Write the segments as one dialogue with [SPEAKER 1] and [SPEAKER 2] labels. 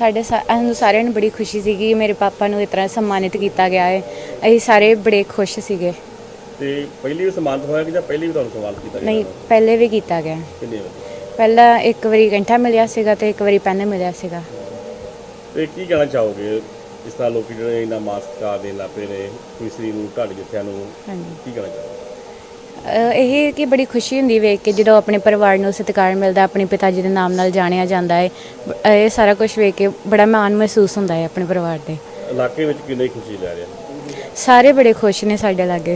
[SPEAKER 1] ਸਾਨੂੰ ਸਾਰਿਆਂ ਨੂੰ ਬੜੀ ਖੁਸ਼ੀ ਸੀਗੀ ਕਿ ਮੇਰੇ ਪਾਪਾ ਨੂੰ ਇਸ ਤਰ੍ਹਾਂ ਸਨਮਾਨਿਤ ਕੀਤਾ ਗਿਆ ਹੈ। ਅਸੀਂ ਸਾਰੇ ਬੜੇ ਖੁਸ਼ ਸੀਗੇ।
[SPEAKER 2] ਤੇ ਪਹਿਲੀ ਵੀ ਸਨਮਾਨਿਤ ਹੋਇਆ ਕਿ ਜਾਂ ਪਹਿਲੀ ਵੀ ਤੁਹਾਨੂੰ ਸਨਮਾਨਿਤ ਕੀਤਾ ਗਿਆ?
[SPEAKER 1] ਨਹੀਂ, ਪਹਿਲੇ ਵੀ ਕੀਤਾ ਗਿਆ।
[SPEAKER 2] ਕਿੰਨੇ ਵਾਰ?
[SPEAKER 1] ਪਹਿਲਾਂ ਇੱਕ ਵਾਰੀ ਕੈਂਠਾ ਮਿਲਿਆ ਸੀਗਾ ਤੇ ਇੱਕ ਵਾਰੀ ਪੈਨ ਮਿਲਿਆ ਸੀਗਾ।
[SPEAKER 2] ਤੇ ਕੀ ਕਹਿਣਾ ਚਾਹੋਗੇ ਇਸ ਤਰ੍ਹਾਂ ਲੋਕ ਜਿਹੜੇ ਇਹਨਾਂ ਮਾਨ ਸਤਿਕਾਰ ਦੇਣ ਲੱਗ ਪਏ ਨੇ ਖੁਸ਼ੀ ਨੂੰ, ਢਾਡੀ ਜੱਥਿਆਂ ਨੂੰ,
[SPEAKER 1] ਹਾਂਜੀ,
[SPEAKER 2] ਕੀ ਕਹਿਣਾ ਚਾਹੋਗੇ?
[SPEAKER 1] ਇਹ ਕਿ ਬੜੀ ਖੁਸ਼ੀ ਹੁੰਦੀ ਵੇਖ ਕੇ ਜਦੋਂ ਆਪਣੇ ਪਰਿਵਾਰ ਨੂੰ ਸਤਿਕਾਰ ਮਿਲਦਾ, ਆਪਣੇ ਪਿਤਾ ਜੀ ਦੇ ਨਾਮ ਨਾਲ ਜਾਣਿਆ ਜਾਂਦਾ ਹੈ। ਇਹ ਸਾਰਾ ਕੁਝ ਵੇਖ ਕੇ ਬੜਾ ਮਾਣ ਮਹਿਸੂਸ ਹੁੰਦਾ ਹੈ ਆਪਣੇ ਪਰਿਵਾਰ ਦੇ।
[SPEAKER 2] ਇਲਾਕੇ ਵਿੱਚ ਕਿੰਨੀ ਖੁਸ਼ੀ ਲੈ ਰਹੇ?
[SPEAKER 1] ਸਾਰੇ ਬੜੇ ਖੁਸ਼ ਨੇ ਸਾਡੇ ਲਾਗੇ।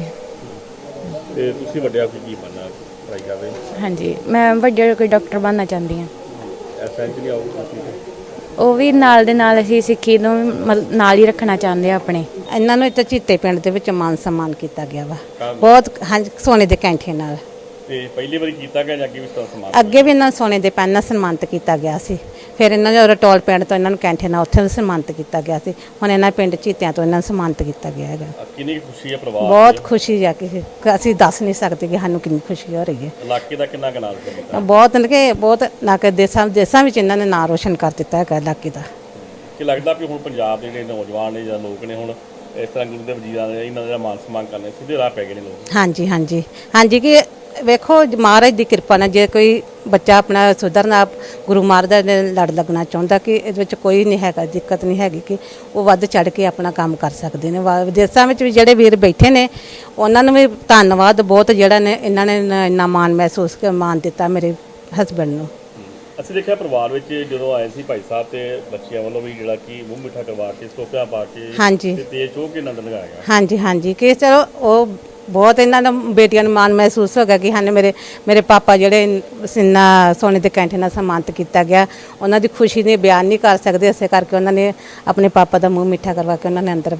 [SPEAKER 2] ਤੇ ਤੁਸੀਂ ਵੱਡਿਆ ਕੀ ਬਣਨਾ ਟਰਾਈ ਕਰ ਰਹੇ?
[SPEAKER 1] ਹਾਂਜੀ, ਮੈਂ ਵੱਡੇ ਕੋਈ ਡਾਕਟਰ ਬਣਨਾ ਚਾਹੁੰਦੀ ਹਾਂ।
[SPEAKER 2] ਐਸੈਂਚ ਨਹੀਂ ਆਊਗੀ ਤੁਸੀਂ?
[SPEAKER 1] ਉਹ ਵੀ ਨਾਲ ਦੇ ਨਾਲ ਅਸੀਂ ਸਿੱਖੀ ਨੂੰ ਨਾਲ ਹੀ ਰੱਖਣਾ ਚਾਹੁੰਦੇ ਆ ਆਪਣੇ।
[SPEAKER 3] ਇਹਨਾਂ ਨੂੰ ਇੱਥੇ ਚੀਤੇ ਪਿੰਡ ਦੇ ਵਿੱਚ ਮਾਨ ਸਨਮਾਨ ਕੀਤਾ ਗਿਆ ਵਾ ਬਹੁਤ। ਹਾਂਜੀ, ਸੋਨੇ ਦੇ ਕੈਂਠੇ ਨਾਲ।
[SPEAKER 2] ਤੇ ਪਹਿਲੀ ਵਾਰੀ ਕੀਤਾ ਗਿਆ ਜਾਂ ਅੱਗੇ ਵੀ ਸਨਮਾਨ?
[SPEAKER 3] ਅੱਗੇ ਵੀ ਇਹਨਾਂ ਨੂੰ ਸੋਨੇ ਦੇ ਪੈਨ ਨਾਲ ਸਨਮਾਨਿਤ ਕੀਤਾ ਗਿਆ ਸੀ। ਫਿਰ ਇਹਨਾਂ ਨੂੰ ਰਟੋਲ ਪਿੰਡ ਤੋਂ ਇਹਨਾਂ ਨੂੰ ਕੈਂਠੇ ਨਾਲ ਉੱਥੇ ਸਨਮਾਨਿਤ ਕੀਤਾ ਗਿਆ ਸੀ। ਹੁਣ ਇਹਨਾਂ ਪਿੰਡ ਚੀਤਿਆਂ ਤੋਂ ਇਹਨਾਂ ਨੂੰ ਸਨਮਾਨਿਤ ਕੀਤਾ ਗਿਆ ਹੈਗਾ।
[SPEAKER 2] ਕਿੰਨੀ ਖੁਸ਼ੀ ਹੈ ਪਰਿਵਾਰ?
[SPEAKER 3] ਬਹੁਤ ਖੁਸ਼ੀ ਆ ਕਿ ਅਸੀਂ ਦੱਸ ਨਹੀਂ ਸਕਦੇ ਕਿ ਸਾਨੂੰ ਕਿੰਨੀ ਖੁਸ਼ੀ ਹੋ ਰਹੀ ਹੈ।
[SPEAKER 2] ਇਲਾਕੇ ਦਾ ਕਿੰਨਾ ਕੁ ਨਾਮ ਕੀਤਾ?
[SPEAKER 3] ਬਹੁਤ ਨਾ ਕਿ ਦੇਸਾਂ ਵਿੱਚ ਇਹਨਾਂ ਨੇ ਨਾਂ ਰੋਸ਼ਨ ਕਰ ਦਿੱਤਾ ਹੈਗਾ ਇਲਾਕੇ ਦਾ।
[SPEAKER 2] ਕਿ ਲੱਗਦਾ ਵੀ ਹੁਣ ਪੰਜਾਬ ਦੇ ਜਿਹੜੇ ਨੌਜਵਾਨ ਨੇ ਜਾਂ ਲੋਕ ਨੇ ਹੁਣ ਇਸ ਤਰ੍ਹਾਂ ਗੁਰੂ ਦੇ ਵਜੀਰਾਂ ਦੇ ਇਹਨਾਂ ਦਾ ਮਾਨ ਸਨਮਾਨ ਕਰਨੇ ਸਿੱਧੇ ਰਾਹ ਪੈ ਗਏ ਨੇ ਲੋਕ?
[SPEAKER 3] ਹਾਂਜੀ ਕਿ ਵੇਖੋ ਮਹਾਰਾਜ ਦੀ ਕਿਰਪਾ ਨਾਲ ਜੇ ਕੋਈ ਬੱਚਾ ਆਪਣਾ ਸੁਧਰਨਾ ਗੁਰੂ ਮਹਾਰਾਜ ਦੇ ਲੜ ਲੱਗਣਾ ਚਾਹੁੰਦਾ ਕਿ ਇਹਦੇ ਵਿੱਚ ਕੋਈ ਨਹੀਂ ਹੈਗਾ, ਦਿੱਕਤ ਨਹੀਂ ਹੈਗੀ ਕਿ ਉਹ ਵੱਧ ਚੜ ਕੇ ਆਪਣਾ ਕੰਮ ਕਰ ਸਕਦੇ ਨੇ। ਵਿਦੇਸ਼ਾਂ ਵਿੱਚ ਵੀ ਜਿਹੜੇ ਵੀਰ ਬੈਠੇ ਨੇ ਉਹਨਾਂ ਨੂੰ ਵੀ ਧੰਨਵਾਦ ਬਹੁਤ, ਜਿਹੜਾ ਨੇ ਇਹਨਾਂ ਨੇ ਇੰਨਾ ਮਾਣ ਮਹਿਸੂਸ ਕੇ ਮਾਣ ਦਿੱਤਾ ਮੇਰੇ ਹਸਬੈਂਡ ਨੂੰ।
[SPEAKER 2] ਅਸੀਂ ਦੇਖਿਆ ਪਰਿਵਾਰ ਵਿੱਚ ਜਦੋਂ ਆਏ ਸੀ ਭਾਈ ਸਾਹਿਬ ਤੇ ਬੱਚਿਆਂ ਵੱਲੋਂ ਵੀ ਜਿਹੜਾ ਕਿ ਮੂੰਹ ਮਿੱਠਾ ਕਰਵਾ ਕੇ ਸੋਪਿਆ ਪਾ ਕੇ
[SPEAKER 3] ਹਾਂਜੀ
[SPEAKER 2] ਤੇ ਤੇਜ ਚੋਹ ਕੇ ਆਨੰਦ ਲਗਾਇਆ ਗਿਆ।
[SPEAKER 3] ਹਾਂਜੀ ਕਿ ਚਲੋ ਉਹ ਬਹੁਤ ਇਹਨਾਂ ਨੂੰ ਬੇਟੀਆਂ ਨੂੰ ਮਾਣ ਮਹਿਸੂਸ ਹੋ ਗਿਆ ਕਿ ਹਨ ਮੇਰੇ ਪਾਪਾ ਜਿਹੜੇ ਸਿੰਨਾ ਸੋਨੇ ਦੇ ਕੈਂਠੇ ਨਾਲ ਸਨਮਾਨਿਤ ਕੀਤਾ ਗਿਆ। ਉਹਨਾਂ ਦੀ ਖੁਸ਼ੀ ਨੇ ਬਿਆਨ ਨਹੀਂ ਕਰ ਸਕਦੇ, ਇਸੇ ਕਰਕੇ ਉਹਨਾਂ ਨੇ ਆਪਣੇ ਪਾਪਾ ਦਾ ਮੂੰਹ ਮਿੱਠਾ ਕਰਵਾ ਕੇ ਉਹਨਾਂ ਨੇ ਅੰਦਰ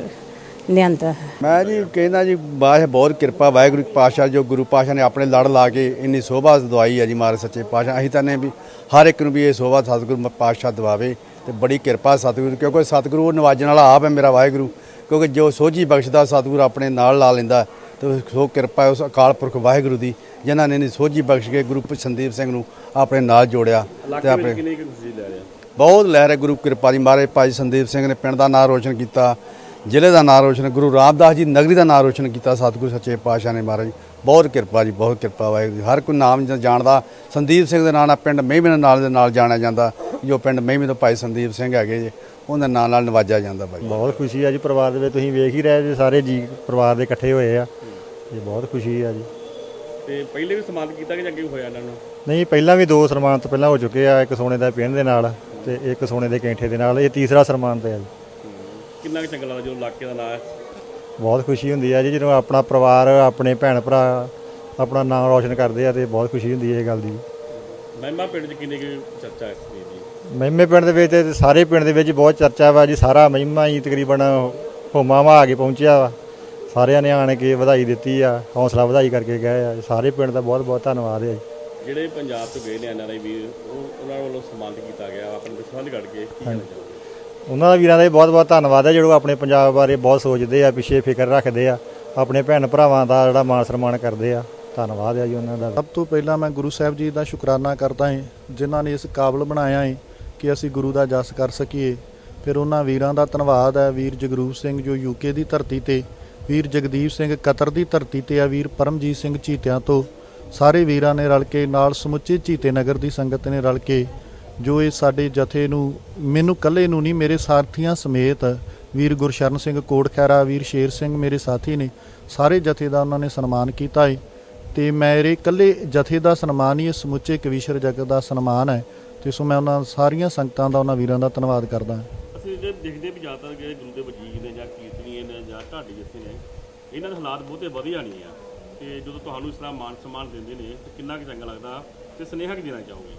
[SPEAKER 3] ਲਿਆਂਦਾ।
[SPEAKER 4] ਮੈਂ ਜੀ ਕਹਿੰਦਾ ਜੀ ਬਹੁਤ ਕਿਰਪਾ ਵਾਹਿਗੁਰੂ ਪਾਤਸ਼ਾਹ, ਜੋ ਗੁਰੂ ਪਾਤਸ਼ਾਹ ਨੇ ਆਪਣੇ ਲੜ ਲਾ ਕੇ ਇੰਨੀ ਸੋਭਾ ਦਵਾਈ ਹੈ ਜੀ ਮਹਾਰਾਜ ਸੱਚੇ ਪਾਤਸ਼ਾਹ। ਅਸੀਂ ਤਾਂ ਨੇ ਵੀ ਹਰ ਇੱਕ ਨੂੰ ਵੀ ਇਹ ਸੋਭਾ ਸਤਿਗੁਰੂ ਪਾਤਸ਼ਾਹ ਦਵਾਵੇ ਤੇ ਬੜੀ ਕਿਰਪਾ ਸਤਿਗੁਰੂ, ਕਿਉਂਕਿ ਸਤਿਗੁਰੂ ਉਹ ਨਵਾਜਣ ਵਾਲਾ ਆਪ ਹੈ ਮੇਰਾ ਵਾਹਿਗੁਰੂ। ਕਿਉਂਕਿ ਜੋ ਸੋਝੀ ਬਖਸ਼ਦਾ ਸਤਿਗੁਰੂ ਆਪਣੇ ਨਾਲ ਲਾ ਲੈਂਦਾ ਤੇ ਸੋ ਕਿਰਪਾ ਉਸ ਅਕਾਲ ਪੁਰਖ ਵਾਹਿਗੁਰੂ ਦੀ ਜਿਨ੍ਹਾਂ ਨੇ ਸੋਝੀ ਬਖਸ਼ ਕੇ ਗੁਰੂ ਸੰਦੀਪ ਸਿੰਘ ਨੂੰ ਆਪਣੇ ਨਾਲ ਜੋੜਿਆ ਤੇ ਆਪਣੇ
[SPEAKER 2] ਕਿੰਨੀ ਖੁਸ਼ੀ ਲੈ ਰਹੇ?
[SPEAKER 4] ਬਹੁਤ ਲਹਿਰ ਹੈ ਗੁਰੂ ਕਿਰਪਾ ਦੀ। ਮਹਾਰਾਜ ਭਾਈ ਸੰਦੀਪ ਸਿੰਘ ਨੇ ਪਿੰਡ ਦਾ ਨਾਂ ਰੋਸ਼ਨ ਕੀਤਾ, ਜ਼ਿਲ੍ਹੇ ਦਾ ਨਾਂ ਰੋਸ਼ਨ, ਗੁਰੂ ਰਾਮਦਾਸ ਜੀ ਨਗਰੀ ਦਾ ਨਾਂ ਰੋਸ਼ਨ ਕੀਤਾ ਸਤਿਗੁਰੂ ਸੱਚੇ ਪਾਤਸ਼ਾਹ ਨੇ। ਮਹਾਰਾਜ ਬਹੁਤ ਕਿਰਪਾ ਜੀ, ਬਹੁਤ ਕਿਰਪਾ ਵਾਹਿਗੁਰੂ। ਹਰ ਕੋਈ ਨਾਮ ਜਾਣਦਾ ਸੰਦੀਪ ਸਿੰਘ ਦੇ ਨਾਂ ਨਾਲ ਪਿੰਡ ਮਹਿਮੇ ਦੇ ਨਾਲ ਜਾਣਿਆ ਜਾਂਦਾ, ਜੋ ਪਿੰਡ ਮਹਿਮੇ ਤੋਂ ਭਾਈ ਸੰਦੀਪ ਸਿੰਘ ਹੈਗੇ ਜੀ ਉਹਨਾਂ ਨਾਂ ਨਾਲ ਨਵਾਜਿਆ ਜਾਂਦਾ। ਭਾਈ
[SPEAKER 5] ਬਹੁਤ ਖੁਸ਼ੀ ਆ ਜੀ ਪਰਿਵਾਰ ਦੇ ਵਿੱਚ, ਤੁਸੀਂ ਵੇਖ ਹੀ ਰਹੇ ਜੀ ਸਾਰੇ ਜੀ ਪਰਿਵਾਰ ਦੇ ਇਕੱਠੇ ਹੋਏ ਆ ਜੀ, ਬਹੁਤ ਖੁਸ਼ੀ ਆ ਜੀ।
[SPEAKER 2] ਤੇ ਪਹਿਲੇ ਵੀ ਸਨਮਾਨਿਤ ਕੀਤਾ ਕਿ ਅੱਗੇ ਹੋਇਆ ਇਹਨਾਂ ਨੂੰ?
[SPEAKER 5] ਨਹੀਂ, ਪਹਿਲਾਂ ਵੀ 2 ਸਨਮਾਨ ਤੋਂ ਪਹਿਲਾਂ ਹੋ ਚੁੱਕੇ ਆ, ਇੱਕ ਸੋਨੇ ਦਾ ਪਿੰਨ ਦੇ ਨਾਲ ਤੇ ਇੱਕ ਸੋਨੇ ਦੇ ਕੈਂਠੇ ਦੇ ਨਾਲ। ਇਹ ਤੀਸਰਾ ਸਨਮਾਨ ਤੇ ਆ ਜੀ।
[SPEAKER 2] ਕਿੰਨਾ ਕੁ ਚੰਗਾ ਲੱਗਦਾ ਜਦੋਂ ਇਲਾਕੇ ਦਾ ਨਾਂ ਹੈ?
[SPEAKER 5] ਬਹੁਤ ਖੁਸ਼ੀ ਹੁੰਦੀ ਆ ਜੀ ਜਦੋਂ ਆਪਣਾ ਪਰਿਵਾਰ ਆਪਣੇ ਭੈਣ ਭਰਾ ਆਪਣਾ ਨਾਮ ਰੌਸ਼ਨ ਕਰਦੇ ਆ ਤੇ ਬਹੁਤ ਖੁਸ਼ੀ ਹੁੰਦੀ ਹੈ ਇਹ ਗੱਲ ਦੀ।
[SPEAKER 2] ਮਹਿਮਾ ਪਿੰਡ 'ਚ ਕਿੰਨੀ ਕੁ ਚਰਚਾ ਇਸ ਚੀਜ਼ ਦੀ?
[SPEAKER 5] ਮਹਿਮੇ ਪਿੰਡ ਦੇ ਵਿੱਚ ਤੇ ਸਾਰੇ ਪਿੰਡ ਦੇ ਵਿੱਚ ਬਹੁਤ ਚਰਚਾ ਵਾ ਜੀ। ਸਾਰਾ ਮਹਿਮਾ ਹੀ ਤਕਰੀਬਨ ਹੋਮਾਵਾ ਆ ਕੇ ਪਹੁੰਚਿਆ ਵਾ, ਸਾਰਿਆਂ ਨੇ ਆਣ ਕੇ ਵਧਾਈ ਦਿੱਤੀ ਆ, ਹੌਸਲਾ ਵਧਾਈ ਕਰਕੇ ਗਏ ਆ। ਸਾਰੇ ਪਿੰਡ ਦਾ ਬਹੁਤ ਬਹੁਤ ਧੰਨਵਾਦ ਹੈ ਜੀ।
[SPEAKER 2] ਜਿਹੜੇ ਪੰਜਾਬ ਤੋਂ ਗਏ ਨੇ NRI ਵੀਰ, ਉਹਨਾਂ ਵੱਲੋਂ ਸਨਮਾਨਿਤ ਕੀਤਾ ਗਿਆ ਆਪਣੇ ਵਿਸ਼ਵਾਸ ਕੱਢ ਕੇ, ਕੀ ਕਹਿਣਾ ਚਾਹੋਗੇ?
[SPEAKER 5] ਉਹਨਾਂ ਦਾ ਵੀਰਾਂ ਦਾ ਬਹੁਤ ਬਹੁਤ ਧੰਨਵਾਦ ਹੈ ਜਿਹੜੇ ਆਪਣੇ ਪੰਜਾਬ ਬਾਰੇ ਬਹੁਤ ਸੋਚਦੇ ਆ, ਪਿੱਛੇ ਫਿਕਰ ਰੱਖਦੇ ਆ, ਆਪਣੇ ਭੈਣ ਭਰਾਵਾਂ ਦਾ ਜਿਹੜਾ ਮਾਣ ਸਨਮਾਨ ਕਰਦੇ ਆ। ਧੰਨਵਾਦ ਹੈ ਜੀ ਉਹਨਾਂ ਦਾ।
[SPEAKER 6] ਸਭ ਤੋਂ ਪਹਿਲਾਂ ਮੈਂ ਗੁਰੂ ਸਾਹਿਬ ਜੀ ਦਾ ਸ਼ੁਕਰਾਨਾ ਕਰਦਾ ਹਾਂ ਜਿਨ੍ਹਾਂ ਨੇ ਇਸ ਕਾਬਲ ਬਣਾਇਆ ਹੈ ਕਿ ਅਸੀਂ ਗੁਰੂ ਦਾ ਜਸ ਕਰ ਸਕੀਏ। ਫਿਰ ਉਹਨਾਂ ਵੀਰਾਂ ਦਾ ਧੰਨਵਾਦ ਹੈ, ਵੀਰ ਜਗਰੂਪ ਸਿੰਘ ਜੋ UK ਦੀ ਧਰਤੀ ਤੇ, ਵੀਰ ਜਗਦੀਪ ਸਿੰਘ ਕਤਰ ਦੀ ਧਰਤੀ ਤੇ ਆ, ਵੀਰ ਪਰਮਜੀਤ ਸਿੰਘ ਚੀਤਿਆਂ ਤੋਂ। ਸਾਰੇ ਵੀਰਾਂ ਨੇ ਰਲ ਕੇ ਨਾਲ ਸਮੁੱਚੇ ਚੀਤੇ ਨਗਰ ਦੀ ਸੰਗਤ ਨੇ ਰਲ ਕੇ ਜੋ ਇਹ ਸਾਡੇ ਜਥੇ ਨੂੰ, ਮੈਨੂੰ ਇਕੱਲੇ ਨੂੰ ਨਹੀਂ ਮੇਰੇ ਸਾਥੀਆਂ ਸਮੇਤ, ਵੀਰ ਗੁਰਸ਼ਰਨ ਸਿੰਘ ਕੋਟਖੈਰਾ, ਵੀਰ ਸ਼ੇਰ ਸਿੰਘ ਮੇਰੇ ਸਾਥੀ ਨੇ, ਸਾਰੇ ਜਥੇ ਦਾ ਉਹਨਾਂ ਨੇ ਸਨਮਾਨ ਕੀਤਾ ਹੈ। ਤੇ ਮੇਰੇ ਇਕੱਲੇ ਜਥੇ ਦਾ ਸਨਮਾਨ ਹੀ ਇਹ ਸਮੁੱਚੇ ਕਵੀਸ਼ਰ ਜਗਤ ਦਾ ਸਨਮਾਨ ਹੈ। ਤੇ ਸੋ ਮੈਂ ਉਹਨਾਂ ਸਾਰੀਆਂ ਸੰਗਤਾਂ ਦਾ, ਉਹਨਾਂ ਵੀਰਾਂ ਦਾ ਧੰਨਵਾਦ ਕਰਦਾ ਹਾਂ।
[SPEAKER 2] ਅਸੀਂ ਜੇ ਦੇਖਦੇ ਵੀ ਜ਼ਿਆਦਾਤਰ ਕਿ ਗੁਰੂ ਦੇ ਵਜੀਰ ਨੇ ਜਾਂ ਕੀਰਤਨੀਏ ਨੇ ਜਾਂ ਢਾਡੀ ਜਥੇ ਨੇ, ਇਹਨਾਂ ਦੇ ਹਾਲਾਤ ਬਹੁਤੇ ਵਧੀਆ ਨਹੀਂ ਆ। ਤੇ ਜਦੋਂ ਤੁਹਾਨੂੰ ਇਸ ਤਰ੍ਹਾਂ ਮਾਨ ਸਨਮਾਨ ਦਿੰਦੇ ਨੇ ਤਾਂ ਕਿੰਨਾ ਕੁ ਚੰਗਾ ਲੱਗਦਾ ਤੇ ਸੁਨੇਹਾ ਕੀ ਦੇਣਾ ਚਾਹੋਗੇ?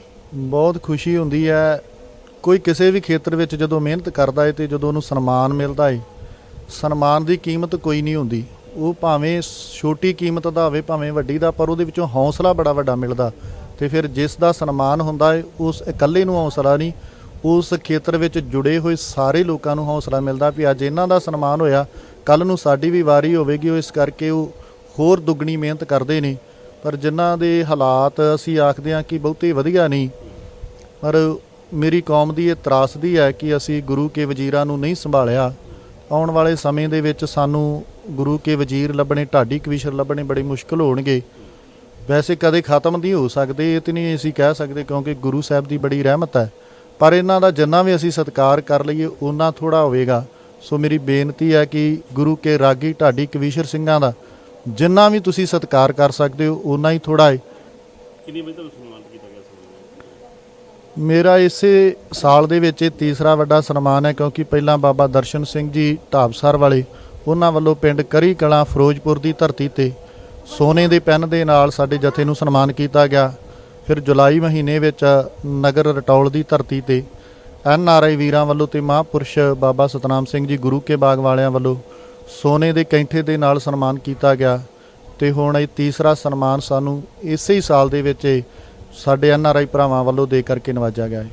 [SPEAKER 6] ਬਹੁਤ ਖੁਸ਼ੀ ਹੁੰਦੀ ਹੈ। ਕੋਈ ਕਿਸੇ ਵੀ ਖੇਤਰ ਵਿੱਚ ਜਦੋਂ ਮਿਹਨਤ ਕਰਦਾ ਹੈ ਤੇ ਜਦੋਂ ਉਹਨੂੰ ਸਨਮਾਨ ਮਿਲਦਾ ਹੈ, ਸਨਮਾਨ ਦੀ ਕੀਮਤ ਕੋਈ ਨਹੀਂ ਹੁੰਦੀ। ਉਹ ਭਾਵੇਂ ਛੋਟੀ ਕੀਮਤ ਦਾ ਹੋਵੇ ਭਾਵੇਂ ਵੱਡੀ ਦਾ, ਪਰ ਉਹਦੇ ਵਿੱਚੋਂ ਹੌਸਲਾ ਬੜਾ ਵੱਡਾ ਮਿਲਦਾ। ਤੇ ਫਿਰ ਜਿਸ ਦਾ ਸਨਮਾਨ ਹੁੰਦਾ ਹੈ ਉਸ ਇਕੱਲੇ ਨੂੰ ਹੌਸਲਾ ਨਹੀਂ, ਉਸ ਖੇਤਰ ਵਿੱਚ ਜੁੜੇ ਹੋਏ ਸਾਰੇ ਲੋਕਾਂ ਨੂੰ ਹੌਸਲਾ ਮਿਲਦਾ ਵੀ ਅੱਜ ਇਹਨਾਂ ਦਾ ਸਨਮਾਨ ਹੋਇਆ, ਕੱਲ੍ਹ ਨੂੰ ਸਾਡੀ ਵੀ ਵਾਰੀ ਹੋਵੇਗੀ। ਉਹ ਇਸ ਕਰਕੇ ਉਹ ਹੋਰ ਦੁੱਗਣੀ ਮਿਹਨਤ ਕਰਦੇ ਨੇ। ਪਰ ਜਿਨ੍ਹਾਂ ਦੇ ਹਾਲਾਤ ਅਸੀਂ ਆਖਦੇ ਹਾਂ ਕਿ ਬਹੁਤੇ ਵਧੀਆ ਨਹੀਂ, ਪਰ ਮੇਰੀ ਕੌਮ ਦੀ ਇਹ ਤਰਾਸਦੀ ਹੈ ਕਿ ਅਸੀਂ ਗੁਰੂ ਕੇ ਵਜ਼ੀਰਾਂ ਨੂੰ ਨਹੀਂ ਸੰਭਾਲਿਆ। ਆਉਣ ਵਾਲੇ ਸਮੇਂ ਦੇ ਵਿੱਚ ਸਾਨੂੰ ਗੁਰੂ ਕੇ ਵਜ਼ੀਰ ਲੱਭਣੇ, ਢਾਡੀ ਕਵੀਸ਼ਰ ਲੱਭਣੇ ਬੜੇ ਮੁਸ਼ਕਲ ਹੋਣਗੇ। ਵੈਸੇ ਕਦੇ ਖਤਮ ਨਹੀਂ ਹੋ ਸਕਦੇ, ਇਹ ਤਾਂ ਨਹੀਂ ਅਸੀਂ ਕਹਿ ਸਕਦੇ, ਕਿਉਂਕਿ ਗੁਰੂ ਸਾਹਿਬ ਦੀ ਬੜੀ ਰਹਿਮਤ ਹੈ, ਪਰ ਇਹਨਾਂ ਦਾ ਜਿੰਨਾ ਵੀ ਅਸੀਂ ਸਤਿਕਾਰ ਕਰ ਲਈਏ ਓਨਾ ਥੋੜ੍ਹਾ ਹੋਵੇਗਾ। ਸੋ ਮੇਰੀ ਬੇਨਤੀ ਹੈ ਕਿ ਗੁਰੂ ਕੇ ਰਾਗੀ ਢਾਡੀ ਕਵੀਸ਼ਰ ਸਿੰਘਾਂ ਦਾ ਜਿੰਨਾ ਵੀ ਤੁਸੀਂ ਸਤਿਕਾਰ ਕਰ ਸਕਦੇ ਹੋ ਓਨਾ ਹੀ ਥੋੜ੍ਹਾ ਹੈ।
[SPEAKER 2] ਕਿੰਨੀ ਵਜੇ ਤੁਹਾਨੂੰ ਸਨਮਾਨਿਤ ਕੀਤਾ ਗਿਆ ਸੀ?
[SPEAKER 6] ਮੇਰਾ ਇਸੇ ਸਾਲ ਦੇ ਵਿੱਚ ਇਹ ਤੀਸਰਾ ਵੱਡਾ ਸਨਮਾਨ ਹੈ, ਕਿਉਂਕਿ ਪਹਿਲਾਂ ਬਾਬਾ ਦਰਸ਼ਨ ਸਿੰਘ ਜੀ ਢਾਬਸਰ ਵਾਲੇ, ਉਹਨਾਂ ਵੱਲੋਂ ਪਿੰਡ ਕਰੀ ਕਲਾਂ ਫਿਰੋਜ਼ਪੁਰ ਦੀ ਧਰਤੀ ਤੇ ਸੋਨੇ ਦੇ ਪੈਨ ਦੇ ਨਾਲ ਸਾਡੇ ਜਥੇ ਨੂੰ ਸਨਮਾਨ ਕੀਤਾ ਗਿਆ। ਫਿਰ ਜੁਲਾਈ ਮਹੀਨੇ ਵਿੱਚ ਨਗਰ ਰਟੌਲ ਦੀ ਧਰਤੀ ਤੇ NRI ਵੀਰਾਂ ਵੱਲੋਂ ਤੇ ਮਹਾਂਪੁਰਸ਼ ਬਾਬਾ ਸਤਨਾਮ ਸਿੰਘ ਜੀ ਗੁਰੂ ਕੇ ਬਾਗ ਵਾਲਿਆਂ ਵੱਲੋਂ ਸੋਨੇ ਦੇ ਕੈਂਠੇ ਦੇ ਨਾਲ ਸਨਮਾਨ ਕੀਤਾ ਗਿਆ। ਤੇ ਹੁਣ ਇਹ ਤੀਸਰਾ ਸਨਮਾਨ ਸਾਨੂੰ ਇਸੇ ਹੀ ਸਾਲ ਦੇ ਵਿੱਚ ਸਾਡੇ NRI ਭਰਾਵਾਂ ਵੱਲੋਂ ਦੇ ਕਰਕੇ ਨਵਾਜਿਆ ਗਿਆ ਹੈ।